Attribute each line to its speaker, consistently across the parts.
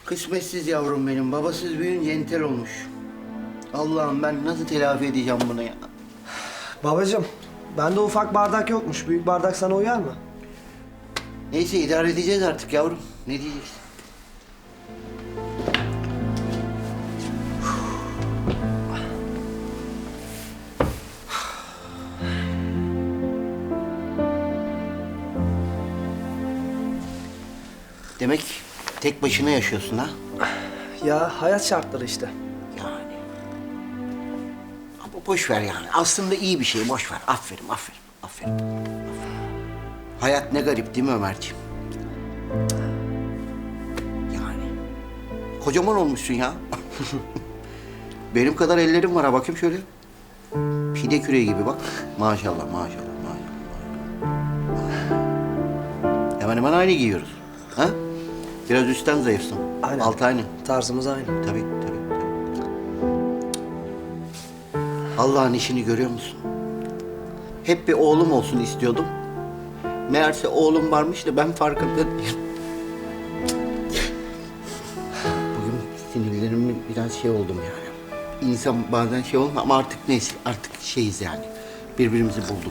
Speaker 1: Kısmetsiz yavrum benim. Babasız büyüyünce entel olmuş. Allah'ım ben nasıl telafi edeceğim bunu ya?
Speaker 2: Babacığım, bende ufak bardak yokmuş. Büyük bardak sana uyar mı?
Speaker 1: Neyse idare edeceğiz artık yavrum. Ne diyeceksin? Demek tek başına yaşıyorsun ha?
Speaker 2: Ya hayat şartları işte.
Speaker 1: Yani. Ama boş ver yani. Aslında iyi bir şey. Boş ver. Aferin, aferin, aferin. Aferin. Hayat ne garip değil mi Ömerciğim? Yani. Kocaman olmuşsun ya. Benim kadar ellerim var ha. Bakayım şöyle. Pide küreği gibi bak. Maşallah, maşallah, maşallah. Hemen hemen aynı giyiyoruz. Ha? Biraz üstten zayıfsın.
Speaker 2: Aynen.
Speaker 1: Alt aynı.
Speaker 2: Tarzımız aynı.
Speaker 1: Tabii, tabii, tabii. Allah'ın işini görüyor musun? Hep bir oğlum olsun istiyordum. Meğerse oğlum varmış da ben farkında değilim. Bugün sinirlerimin biraz şey oldum yani. İnsan bazen şey olmuyor ama artık neyse, artık şeyiz yani. Birbirimizi bulduk.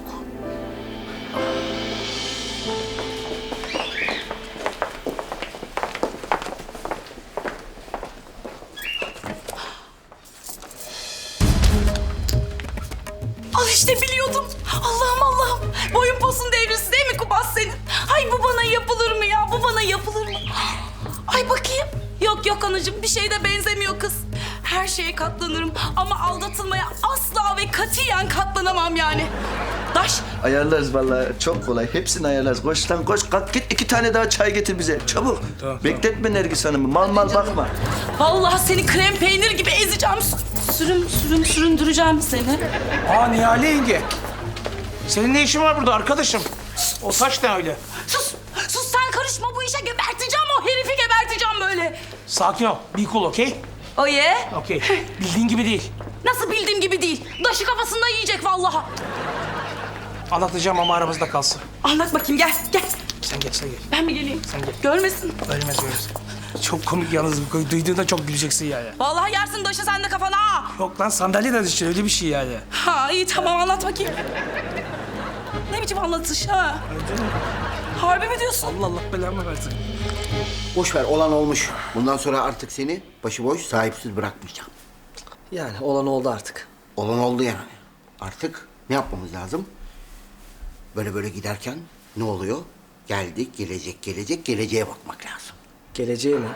Speaker 3: Al işte biliyordum. Allah'ım Allah'ım. Boyun posun devrilsin değil mi Kubas senin? Ay bu bana yapılır mı ya? Bu bana yapılır mı? Ay bakayım. Yok yok anacığım bir şeye de benzemiyor kız. Her şeye katlanırım ama aldatılmaya asla ve katiyen katlanamam yani. Daş.
Speaker 4: Ayarlarız vallahi çok kolay. Hepsini ayarlarız. Koş lan koş kalk git 2 tane daha çay getir bize. Çabuk. Bekletme Nergis Hanım'ı. Mal mal bakma.
Speaker 3: Vallahi seni krem peynir gibi ezeceğim. Süründüreceğim seni.
Speaker 5: Aa Nihale yenge. Senin ne işin var burada arkadaşım? O saç ne öyle?
Speaker 3: Sus sen karışma bu işe geberteceğim o herifi geberteceğim böyle.
Speaker 5: Sakin ol. Be cool, okey?
Speaker 3: Oye.
Speaker 5: Okey. Bildiğin gibi değil.
Speaker 3: Nasıl bildiğim gibi değil. Daşı kafasında yiyecek vallahi.
Speaker 5: Anlatacağım ama aramızda kalsın.
Speaker 3: Anlat bakayım gel gel.
Speaker 5: Sen geç, sen geç.
Speaker 3: Ben mi geleyim?
Speaker 5: Sen gel.
Speaker 3: Görmesin.
Speaker 5: Ölmez, ölmez. Çok komik yalnız. Duyduğunda çok güleceksin yani.
Speaker 3: Vallahi yersin daşı sen de kafana ha.
Speaker 5: Yok lan sandalye de düşün. Öyle bir şey yani.
Speaker 3: Ha iyi tamam anlat bakayım. Ne biçim anlatış ha? Harbi mi diyorsun?
Speaker 5: Allah Allah belamı versin.
Speaker 1: Boş ver, olan olmuş. Bundan sonra artık seni başıboş, sahipsiz bırakmayacağım.
Speaker 2: Yani olan oldu artık.
Speaker 1: Olan oldu yani. Artık ne yapmamız lazım? Böyle böyle giderken ne oluyor? Geldik, gelecek, geleceğe bakmak lazım.
Speaker 2: Geleceğe mi?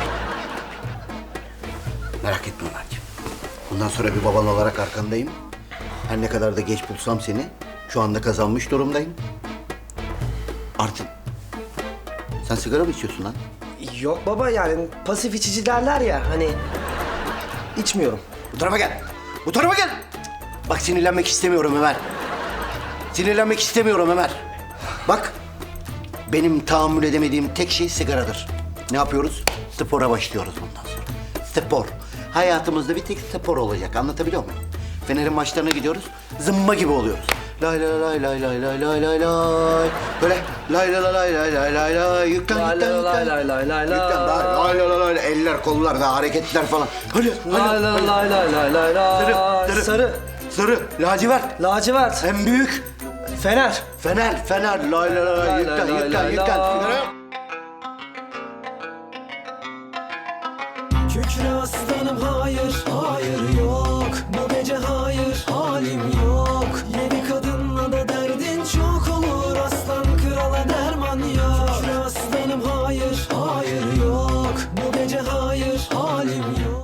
Speaker 1: Merak etme Ömerciğim. Bundan sonra bir baban olarak arkandayım. Her ne kadar da geç bulsam seni, şu anda kazanmış durumdayım. Artık... Sen sigara mı içiyorsun lan?
Speaker 2: Yok baba yani pasif içici derler ya hani içmiyorum.
Speaker 1: Bu tarafa gel. Bu tarafa gel. Bak sinirlenmek istemiyorum Ömer. Sinirlenmek istemiyorum Ömer. Bak benim tahammül edemediğim tek şey sigaradır. Ne yapıyoruz? Spora başlıyoruz bundan sonra. Spor. Hayatımızda bir tek spor olacak. Anlatabiliyor muyum? Fener'in maçlarına gidiyoruz. Zımba gibi oluyoruz. Lay lay lay lay lay lay lay lay lay. Böyle lay lay lay lay lay lay lay. Yüklen
Speaker 2: Lay
Speaker 1: yüklen
Speaker 2: lay
Speaker 1: yüklen.
Speaker 2: lay lay lay
Speaker 1: Yüklen.
Speaker 2: lay.
Speaker 1: Lay lay lay lay. Eller kollar da hareketler falan. Hadi
Speaker 2: Lay
Speaker 1: hadi.
Speaker 2: lay lay lay lay lay lay.
Speaker 1: Sarı.
Speaker 2: Sarı.
Speaker 1: Sarı. Lacivert.
Speaker 2: Lacivert.
Speaker 1: En büyük.
Speaker 2: Fener.
Speaker 1: Fener. Lay lay lay.
Speaker 2: Lay
Speaker 1: Yüklen
Speaker 2: lay
Speaker 1: yüklen
Speaker 2: lay
Speaker 1: yüklen.
Speaker 2: lay.
Speaker 1: Sigara.
Speaker 6: Kükre aslanım hayır, hayır yok. Bu gece hayır, halim